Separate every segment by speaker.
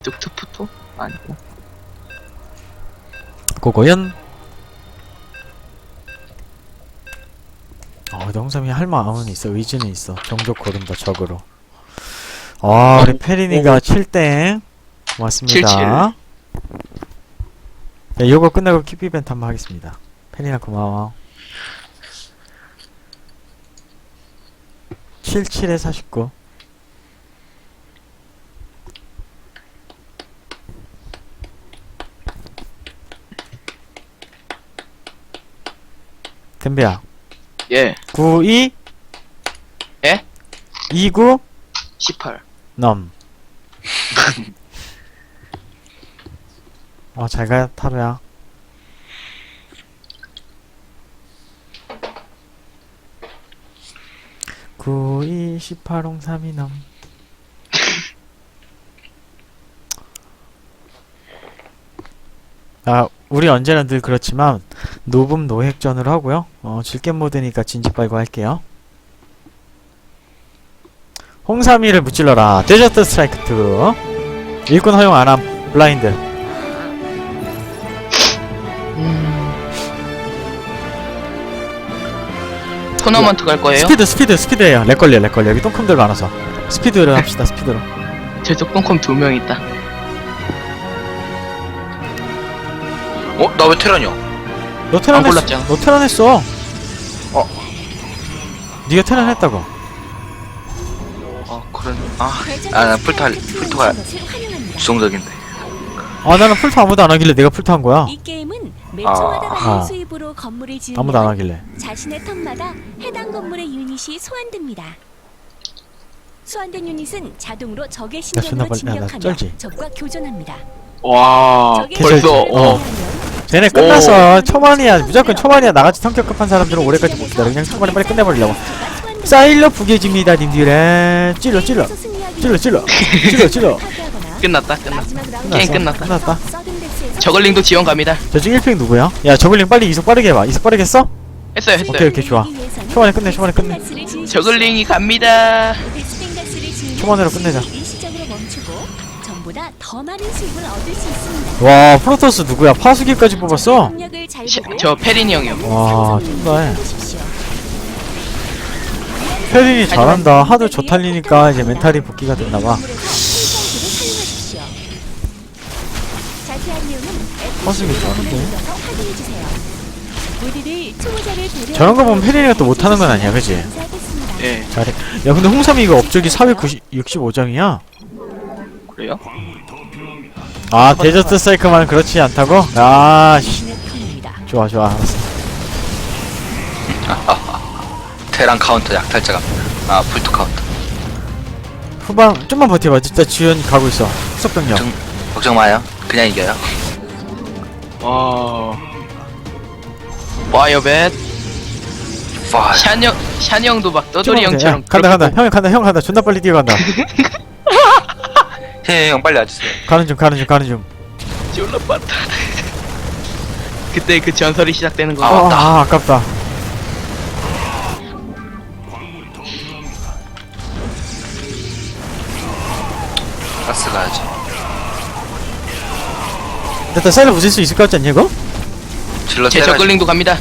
Speaker 1: 뚝뚝푸토? 아니고.
Speaker 2: 고고연. 근데 홍삼이 할 마음은 있어. 의지는 있어. 종족 고른다 적으로. 우리 페리니가 7땡 고맙습니다. 네, 요거 끝나고 킵 이벤트 한번 하겠습니다. 페리나 고마워. 77에 49. 덤비야.
Speaker 1: 예.
Speaker 2: 92.
Speaker 1: 예?
Speaker 2: 29.
Speaker 1: 18.
Speaker 2: 넘. 잘가 타로야. (9, 2, 18, 03이 넘) 우리 언제나 늘 그렇지만 노금 노획전으로 하고요. 질겜 모드니까 진지 빨고 할게요. 홍삼이를 무찔러라. 데저트 스트라이크 2. 일꾼 허용 안함. 블라인드.
Speaker 1: 토너먼트 갈 거예요?
Speaker 2: 스피드에요. 렉 걸려. 여기 똥컴들 많아서 스피드로 합시다. 스피드로.
Speaker 1: 저쪽 똥컴 2명 있다.
Speaker 3: 나 왜 테란이야?
Speaker 2: 너
Speaker 1: 안
Speaker 2: 테란
Speaker 1: 골랐잖아.
Speaker 2: 너 테란했어. 네가 테란했다고.
Speaker 3: 그런 나 풀토가 주성적인데.
Speaker 2: 나는 풀토 아무도 안 하길래 내가 풀토 한 거야.
Speaker 4: 이 게임은 매 초마다
Speaker 2: 아.
Speaker 4: 받는 수입으로 건물을 지으면
Speaker 2: 아무도 안 하길래.
Speaker 4: 자신의 턴마다 해당 건물의 유닛이 소환됩니다. 소환된 유닛은 자동으로 적의
Speaker 2: 존나
Speaker 4: 신경으로
Speaker 2: 빨리- 나
Speaker 4: 진격하며
Speaker 2: 쩔지?
Speaker 4: 적과 교전합니다.
Speaker 1: 와,
Speaker 4: 적의
Speaker 2: 벌써,
Speaker 4: 신경을
Speaker 2: 어.
Speaker 4: 제외하면
Speaker 2: 쟤네 끝났어. 초반이야. 무조건 초반이야. 나같이 성격급한 사람들은 올해까지 못 기다려. 그냥 초반에 빨리 끝내버리려고. 사일러 부계집니다. 님들의 찔러.
Speaker 1: 끝났다. 게임 끝났다. 저글링도 지원 갑니다.
Speaker 2: 저쪽 1핑 누구야? 야 저글링 빨리 이속 빠르게 해봐. 이속 빠르게 했어?
Speaker 1: 했어요.
Speaker 2: 오케이 좋아. 초반에 끝내.
Speaker 1: 저글링이 갑니다.
Speaker 2: 초반으로 끝내자.
Speaker 4: 일시적으로 멈추고 전보다 더 많은 수입을 얻을 수 있습니다.
Speaker 2: 와 프로토스 누구야? 파수기까지 뽑았어?
Speaker 4: 능력을 잘 보고
Speaker 1: 저 페리니 형이요.
Speaker 2: 와 쩐다해.
Speaker 4: 해보십시오.
Speaker 2: 페린이 잘한다. 하도 저탈리니까 이제 멘탈이 복귀가 됐나봐. 파수기 빠른데? 저런 거 보면 페린이가 또 못하는 건 아니야, 그치?
Speaker 1: 예.
Speaker 2: 잘해. 야 근데 홍삼이 이거 업적이 465장이야.
Speaker 1: 그래요?
Speaker 2: 데저트 사이클만 그렇지 않다고? 씨. 좋아 알았어.
Speaker 3: 테란 카운터 약탈자 갑니다. 풀토 카운터.
Speaker 2: 후방 좀만 버텨봐. 진짜 지연 가고 있어. 후속병력.
Speaker 3: 걱정 마요. 그냥 이겨요.
Speaker 1: 와요 뱃.
Speaker 3: 와.
Speaker 1: 샤니 형도 막 떠돌이
Speaker 2: 야,
Speaker 1: 형처럼.
Speaker 2: 간다. 형 간다. 존나 빨리 뛰어간다.
Speaker 3: 형 빨리 와주세요.
Speaker 2: 가는 중.
Speaker 1: 졸라 빠르다. 그때 그 전설이 시작되는 거.
Speaker 2: 아깝다.
Speaker 3: 가스 가야지.
Speaker 2: 일단 사이를 부술 수 있을 것 같지 않냐 이거?
Speaker 3: 질러
Speaker 1: 제
Speaker 3: 때려야지.
Speaker 1: 저글링도 갑니다.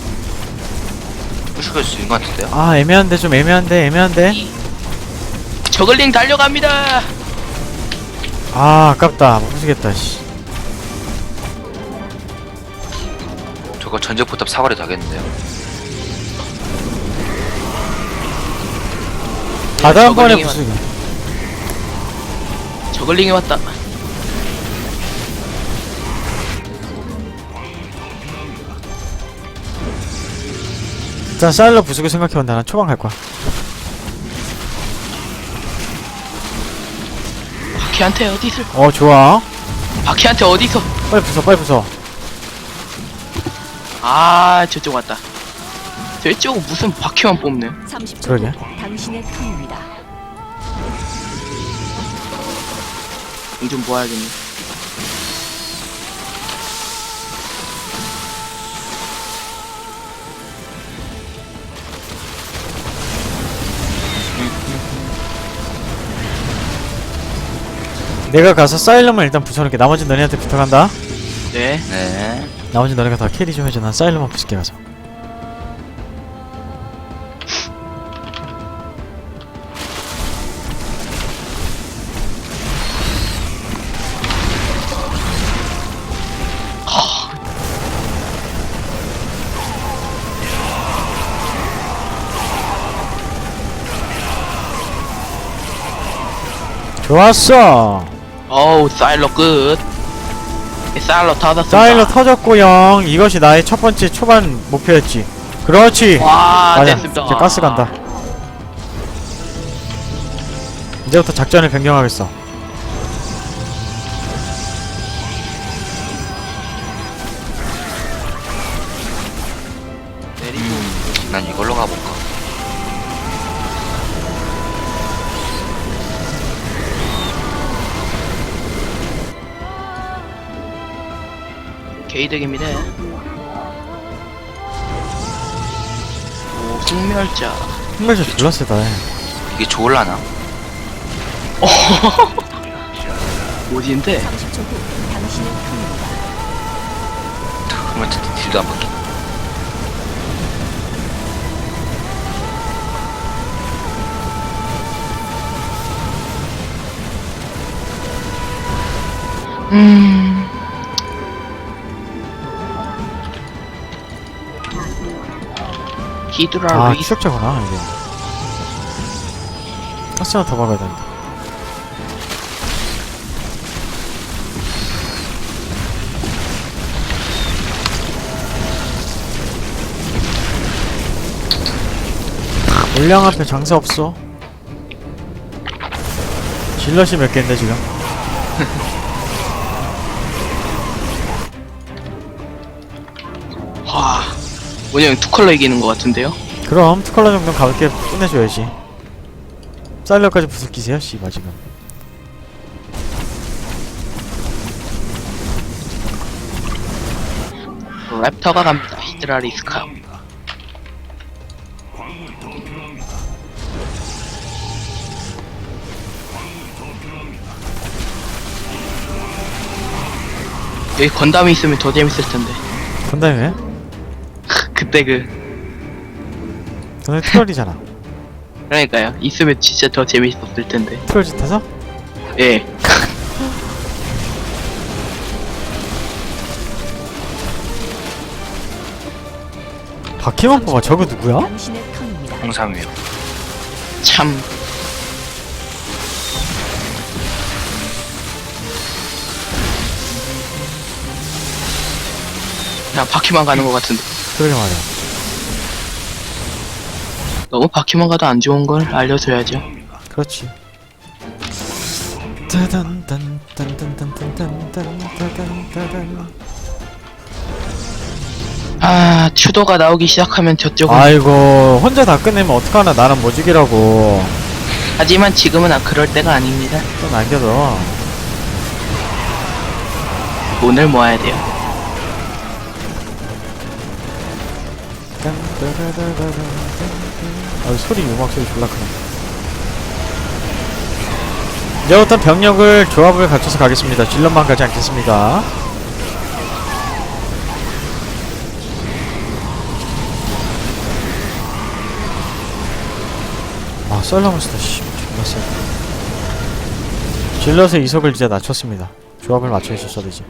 Speaker 3: 부셔갈 수 있는 것 같은데요?
Speaker 2: 애매한데 좀 애매한데.
Speaker 1: 저글링 달려갑니다.
Speaker 2: 아깝다. 못 부수겠다. 씨.
Speaker 3: 저거 전적 포탑 사거리 다겠는데요?
Speaker 2: 다음번에
Speaker 1: 저글링이
Speaker 2: 부수기.
Speaker 1: 저글링이 왔다.
Speaker 2: 일단 사일러 부수고 생각해본다. 난 초반 갈 거야.
Speaker 1: 바퀴한테 어디서?
Speaker 2: 좋아.
Speaker 1: 바퀴한테 어디서?
Speaker 2: 빨리 부숴.
Speaker 1: 저쪽 왔다. 저쪽은 무슨 바퀴만 뽑네.
Speaker 4: 30초
Speaker 2: 그러게.
Speaker 4: 후 당신의 턴입니다.
Speaker 1: 좀 모아야겠네.
Speaker 2: 내가 가서 사일럼을 일단 부숴놓을게. 나머지 너네한테 부탁한다.
Speaker 1: 네.
Speaker 3: 네.
Speaker 2: 나머지 너네가 다 캐리 좀 해줘. 난 사일럼만 부술게 가서. 좋았어.
Speaker 1: 어우, 사일러 끝. 사일러 터졌습니다.
Speaker 2: 사일러 터졌고요. 이것이 나의 첫 번째 초반 목표였지. 그렇지.
Speaker 1: 와,
Speaker 2: 맞아.
Speaker 1: 됐습니다.
Speaker 2: 이제 가스 간다. 이제부터 작전을 변경하겠어.
Speaker 1: 내리고.
Speaker 3: 난 이걸로 가볼까.
Speaker 1: 개이득입니다. 오, 흥멸자.
Speaker 2: 흥멸자 졸라 세다.
Speaker 3: 이게 좋을라나?
Speaker 1: 뭐지인데?
Speaker 4: 30초 후 당신의 턴입니다.
Speaker 3: 그러면 딜도 안 받게.
Speaker 1: 히드라
Speaker 2: 아,
Speaker 1: 루이스.
Speaker 2: 추적자구나, 이게. 가스 하나 더 박아야 된다. 물량 앞에 장사 없어. 질럿이 몇 개인데 지금?
Speaker 1: 와, 뭐냐, 투컬러 이기는 것 같은데요?
Speaker 2: 그럼 투컬러 정도는 가볍게 끝내줘야지. 사일러까지 부술기세요 씨발 지금.
Speaker 1: 랩터가 갑니다. 히드라 리스카. 여기 건담이 있으면 더 재밌을 텐데.
Speaker 2: 건담이 왜?
Speaker 1: 그때 그
Speaker 2: 너네 트롤이잖아.
Speaker 1: 그러니까요. 있으면 진짜 더 재밌었을 텐데.
Speaker 2: 트롤 짓해서?
Speaker 1: 예.
Speaker 2: 바퀴만 뽑아. 저거 누구야?
Speaker 4: 당신의 턴입니다.
Speaker 3: 홍삼이요.
Speaker 1: 참. 그냥 바퀴만 가는 것 같은데.
Speaker 2: 그러게 말이야.
Speaker 1: 너무 바퀴만 가도 안 좋은 걸 알려줘야죠.
Speaker 2: 그렇지. 따단
Speaker 1: 아, 추도가 나오기 시작하면 저쪽은.
Speaker 2: 아이고 혼자 다 끝내면 어떡하나. 나는 모직이라고.
Speaker 1: 하지만 지금은 그럴 때가 아닙니다.
Speaker 2: 또 남겨둬.
Speaker 1: 돈을 모아야 돼요.
Speaker 2: 아 소리 음악 소리 졸라 크네. 이제부터 병력을 조합을 갖춰서 가겠습니다. 질럿만 가지 않겠습니다. 아 썰라면서도 씨 존나 세. 질럿의 이속을 이제 낮췄습니다. 조합을 맞춰 있었어 이제.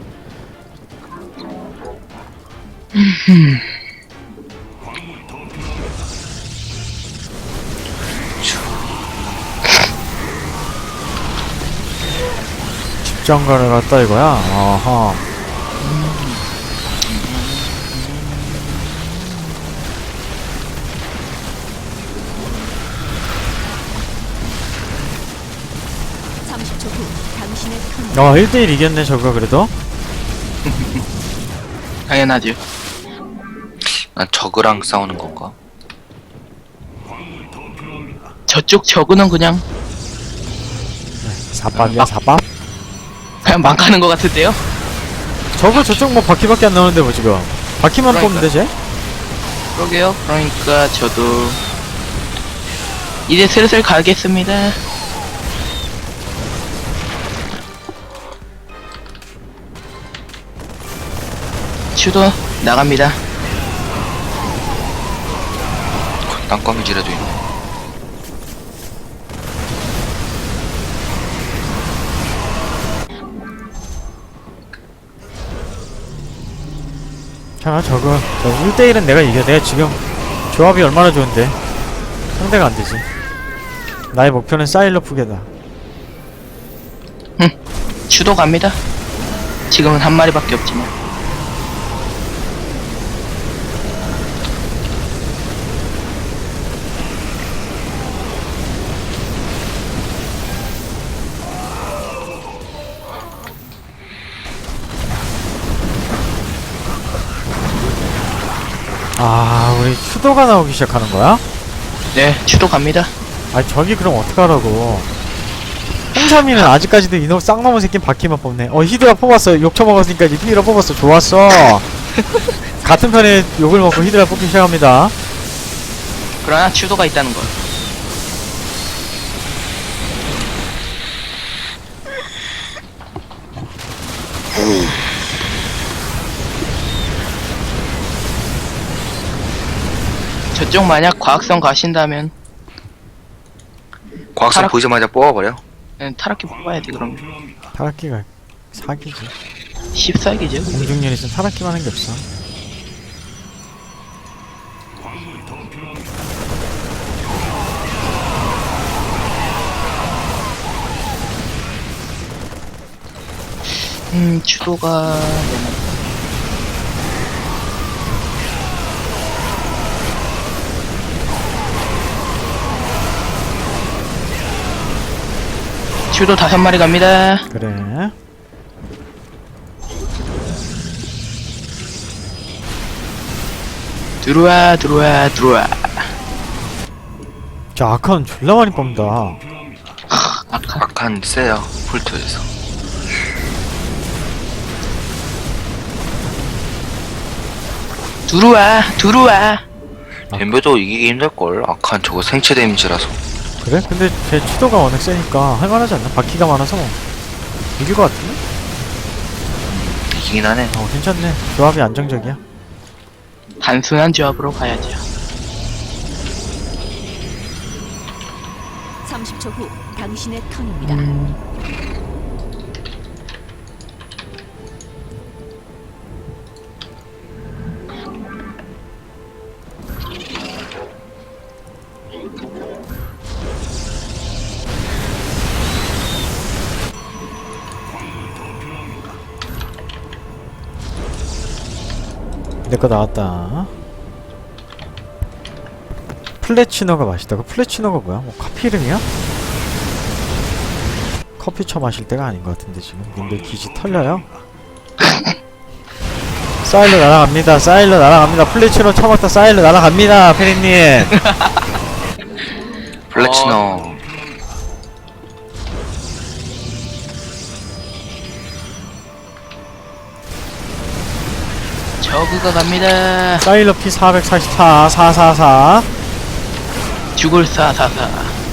Speaker 2: 집정관을 갔다 이거야? 아하.
Speaker 4: 당신의 턴.
Speaker 2: 1대1 이겼네 저거 그래도.
Speaker 1: 당연하죠.
Speaker 3: 난 저그랑 싸우는 건가?
Speaker 1: 저쪽 저그는 그냥
Speaker 2: 사밥이야 사밥?
Speaker 1: 그냥 막 가는 것 같은데요?
Speaker 2: 저거 저쪽 뭐 바퀴밖에 안 나오는데 뭐 지금 바퀴만
Speaker 1: 그러니까.
Speaker 2: 뽑는데 쟤?
Speaker 1: 그러게요. 그러니까 저도 이제 슬슬 가겠습니다. 추도 나갑니다.
Speaker 3: 땅거미지라도 있네.
Speaker 2: 자, 저 1대1은 내가 이겨. 내가 지금 조합이 얼마나 좋은데 상대가 안 되지. 나의 목표는 사일러 푸게다.
Speaker 1: 추도 갑니다. 지금은 한 마리밖에 없지만.
Speaker 2: 아, 우리 추도가 나오기 시작하는 거야?
Speaker 1: 네, 추도 갑니다.
Speaker 2: 아니, 저기 그럼 어떡하라고. 홍삼이는 아직까지도 이놈 쌍놈의 새끼는 바퀴만 뽑네. 히드라 뽑았어. 욕 처먹었으니까 이제 히드라 뽑았어. 좋았어. 같은 편에 욕을 먹고 히드라 뽑기 시작합니다.
Speaker 1: 그러나 추도가 있다는 걸. 저쪽 만약 과학성 가신다면
Speaker 3: 과학성
Speaker 1: 타락-
Speaker 3: 보이자마자 뽑아버려.
Speaker 1: 타락기 뽑아야 돼. 그럼
Speaker 2: 타락기가 사기지.
Speaker 1: 14기죠.
Speaker 2: 공중년이 있으면 타락기만 한 게 없어.
Speaker 1: 추도가 추도 5마리 갑니다.
Speaker 2: 그래.
Speaker 1: 들어와 들어와 들어와.
Speaker 2: 저 아카는 졸라 많이 뽑는다.
Speaker 3: 악한 세요. 폴트에서.
Speaker 1: 들어와 들어와.
Speaker 3: 덤벼도 이기기 힘들걸. 악한 저거 생체 데미지라서.
Speaker 2: 그래? 근데 제 추도가 워낙 세니까 할만하지 않나? 바퀴가 많아서 이길 것 같은데?
Speaker 3: 이기긴 하네.
Speaker 2: 괜찮네. 조합이 안정적이야.
Speaker 1: 단순한 조합으로 가야죠.
Speaker 4: 30초 후 당신의 턴입니다.
Speaker 2: 내거 나왔다. 플래치노가 맛있다고? 플래치노가 뭐야? 뭐 커피 이름이야? 커피 쳐 마실 때가 아닌 것 같은데 지금 님들 기지 털려요? 사일러 날아갑니다. 사일러 날아갑니다. 플래치노 처먹다 사일러 날아갑니다. 페리님.
Speaker 3: 플래치노.
Speaker 1: 저그가 갑니다.
Speaker 2: 사일러 피 444 444.
Speaker 1: 죽을 444.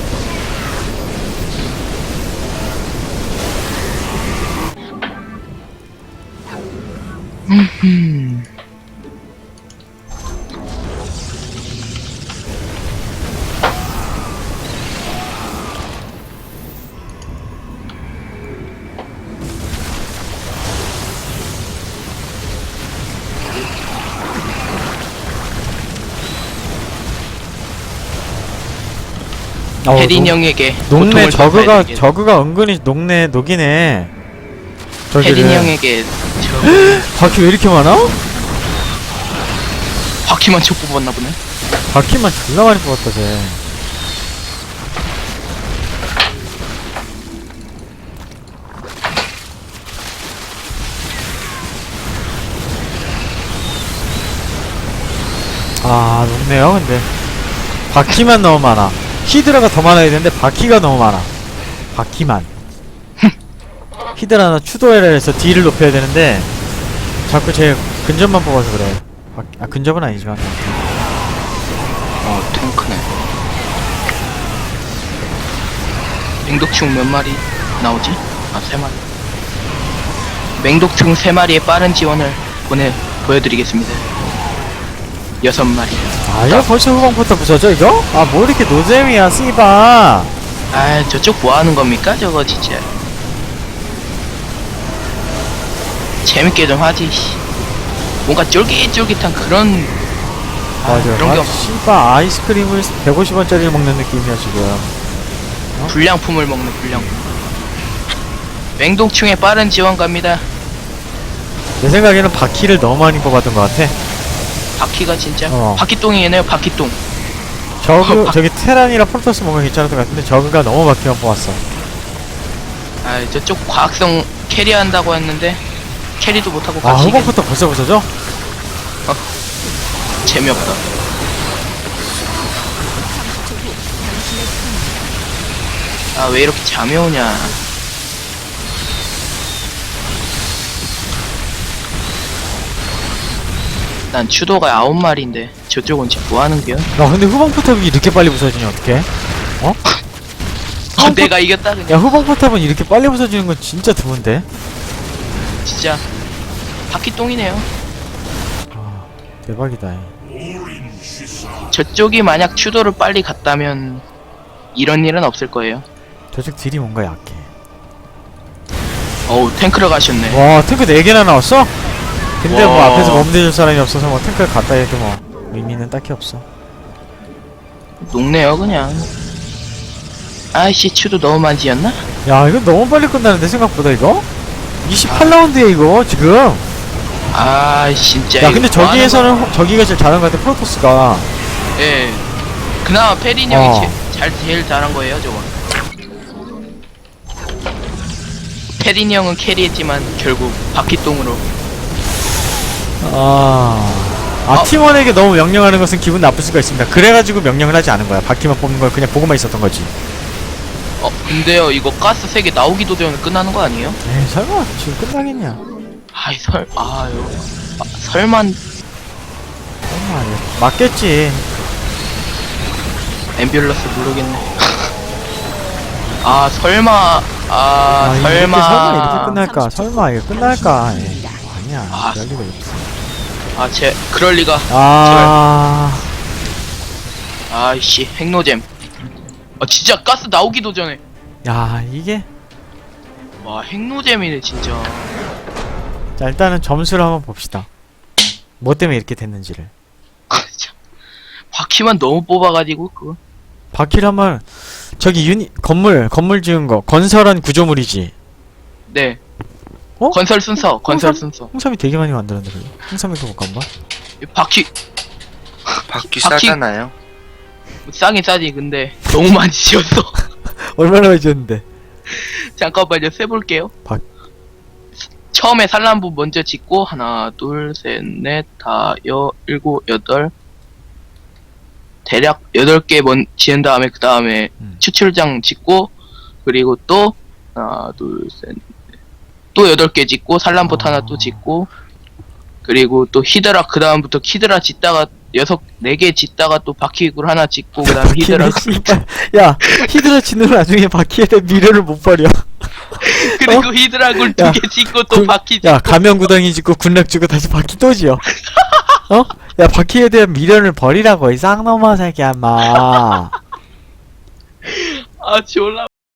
Speaker 1: 혜린 형에게
Speaker 2: 녹네.
Speaker 1: 고통을 줬어야 되겠네.
Speaker 2: 저그가 은근히 녹네. 녹이네.
Speaker 1: 혜린 형에게
Speaker 2: 바퀴 왜 이렇게 많아?
Speaker 1: 바퀴만 쳐 뽑았나 보네.
Speaker 2: 바퀴만 졸라 많이 뽑았다 쟤. 아, 녹네요. 근데 바퀴만 너무 많아. 히드라가 더 많아야 되는데 바퀴가 너무 많아. 바퀴만. 히드라나 추도해라 해서 딜을 높여야 되는데 자꾸 제 근접만 뽑아서 그래. 근접은 아니지만.
Speaker 3: 탱크네.
Speaker 1: 맹독충 몇 마리 나오지? 아, 3마리. 맹독충 3마리의 빠른 지원을 보여드리겠습니다. 6마리.
Speaker 2: 아 이거 벌써 후방부터 부서져 이거? 아 뭐 이렇게 노잼이야 씨바.
Speaker 1: 아, 저쪽 뭐 하는 겁니까? 저거 진짜. 재밌게 좀 하지, 씨. 뭔가 쫄깃쫄깃한 그런,
Speaker 2: 맞아.
Speaker 1: 그런 게 없,
Speaker 2: 씨바 아이스크림을 150원짜리를 먹는 느낌이야 지금.
Speaker 1: 불량품을 먹는 불량품. 맹독충에 빠른 지원 갑니다.
Speaker 2: 내 생각에는 바퀴를 너무 많이 뽑았던 것 같아.
Speaker 1: 바퀴가 진짜.
Speaker 2: 어.
Speaker 1: 바퀴똥이네요, 바퀴똥.
Speaker 2: 저기 테란이랑 폴토스 뭔가 괜찮았던 것 같은데 저그가 너무 바퀴만 뽑았어.
Speaker 1: 아, 저쪽 과학성 캐리한다고 했는데, 캐리도 못하고
Speaker 2: 아
Speaker 1: 같이.
Speaker 2: 후방부터 벌써 부서져?
Speaker 1: 재미없다. 아, 왜 이렇게 잠이 오냐. 난 추도가 9마리인데 저쪽은 지금 뭐하는겨?
Speaker 2: 야 근데 후방 포탑이 이렇게 빨리 부서지냐 어떡해? 어?
Speaker 1: 내가 이겼다 그냥.
Speaker 2: 야 후방 포탑은 이렇게 빨리 부서지는 건 진짜 드문데?
Speaker 1: 진짜 바퀴똥이네요.
Speaker 2: 아 대박이다.
Speaker 1: 저쪽이 만약 추도를 빨리 갔다면 이런 일은 없을 거예요.
Speaker 2: 저쪽 딜이 뭔가 약해.
Speaker 1: 어우, 탱크를 가셨네.
Speaker 2: 와 탱크 4개나 나왔어? 근데 뭐
Speaker 1: 와.
Speaker 2: 앞에서 멈대줄 사람이 없어서 뭐 탱크를 갖다 해도 뭐 의미는 딱히 없어.
Speaker 1: 녹네요 그냥. 아이씨, 추도 너무 많이 지었나?
Speaker 2: 야 이거 너무 빨리 끝나는데 생각보다 이거? 28라운드에 이거 지금.
Speaker 1: 아 진짜.
Speaker 2: 야
Speaker 1: 이거
Speaker 2: 근데
Speaker 1: 뭐 하는
Speaker 2: 저기에서는 저기가 제일 잘한 것 같아 프로토스가.
Speaker 1: 거야? 예. 그나마 페린 형이
Speaker 2: 어.
Speaker 1: 제일 잘한 거예요 저거. 페린 형은 캐리했지만 결국 바퀴똥으로.
Speaker 2: 아 팀원에게 너무 명령하는 것은 기분 나쁠 수가 있습니다. 그래가지고 명령을 하지 않은 거야. 바퀴만 뽑는 걸 그냥 보고만 있었던 거지.
Speaker 1: 근데요 이거 가스 3개 나오기도 전에 끝나는 거 아니에요?
Speaker 2: 에이 설마 지금 끝나겠냐.
Speaker 1: 아이 설마.
Speaker 2: 설마 맞겠지.
Speaker 1: 앰뷸런스 모르겠네. 아 설마.
Speaker 2: 이렇게
Speaker 1: 설마.
Speaker 2: 설마 이렇게 끝날까. 설마 이게 끝날까. 에이, 아니야.
Speaker 1: 아,
Speaker 2: 그럴 리가 없어.
Speaker 1: 그럴 리가. 아이씨, 핵노잼. 진짜 가스 나오기도 전에.
Speaker 2: 야 이게.
Speaker 1: 와, 핵노잼이네 진짜.
Speaker 2: 자 일단은 점수를 한번 봅시다. 뭐 때문에 이렇게 됐는지를.
Speaker 1: 참. 바퀴만 너무 뽑아가지고 그거.
Speaker 2: 바퀴를 한번 저기 건물 지은 거 건설한 구조물이지.
Speaker 1: 네.
Speaker 2: 어?
Speaker 1: 건설 순서.
Speaker 2: 홍삼이 되게 많이 만들었는데 그래. 홍삼이 그거 한번.
Speaker 1: 이 바퀴
Speaker 3: 바퀴
Speaker 1: 바퀴-
Speaker 3: 싸잖아요.
Speaker 1: 싸긴 싸지. 근데 너무 많이 지었어.
Speaker 2: 얼마나 많이 지었는데.
Speaker 1: 잠깐만요, 세볼게요.
Speaker 2: 박-
Speaker 1: 처음에 산란부 먼저 짓고 하나, 둘, 셋, 넷, 다, 일곱, 여덟. 대략 8개 지은 다음에 그 다음에 추출장 짓고 그리고 또 하나, 둘, 셋, 넷. 또 8개 짓고 산란봇 하나 또 짓고 그리고 또 히드라 그 다음부터 히드라 짓다가 4개 짓다가 또 바퀴굴 하나 짓고 그 다음 히드라
Speaker 2: 야 히드라 짓는 나중에 바퀴에 대한 미래를 못 버려.
Speaker 1: 그리고 히드라굴
Speaker 2: 야,
Speaker 1: 2개 짓고 또 바퀴 짓고
Speaker 2: 야 가면구덩이 짓고 군락 주고 다시 바퀴 또 지어. 어? 야 바퀴에 대한 미련을 버리라고 이 쌍놈아 새끼야 인마.
Speaker 1: 졸라